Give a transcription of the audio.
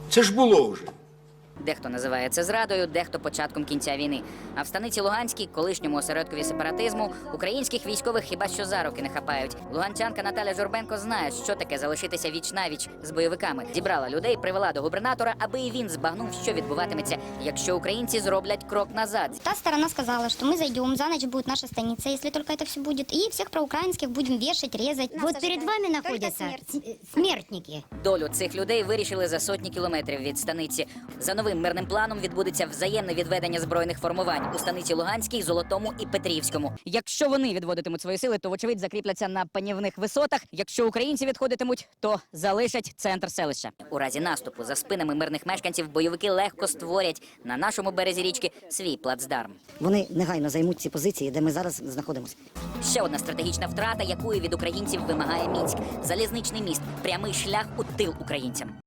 Це ж було вже. Дехто називає це зрадою, дехто початком кінця війни. А в станиці Луганській, колишньому осередкові сепаратизму, українських військових хіба що за руки не хапають. Луганчанка Наталя Журбенко знає, що таке залишитися віч-навіч з бойовиками. Зібрала людей, привела до губернатора, аби і він збагнув, що відбуватиметься, якщо українці зроблять крок назад. Та сторона сказала, что мы зайдем, за ночь будет наша станица, если только это все будет, и всех проукраинских будем вешать, резать. Вот перед вами находятся смертники. Долю цих людей вирішили за сотні кілометрів від станиці. За новим мирним планом відбудеться взаємне відведення збройних формувань у станиці Луганській, Золотому і Петрівському. Якщо вони відводитимуть свої сили, то вочевидь закріпляться на панівних висотах. Якщо українці відходитимуть, то залишать центр селища. У разі наступу за спинами мирних мешканців бойовики легко створять на нашому березі річки свій плацдарм. Вони негайно займуть ці позиції, де ми зараз знаходимося. Ще одна стратегічна втрата, якої від українців вимагає Мінськ. Залізничний міст – прямий шлях у тил українцям.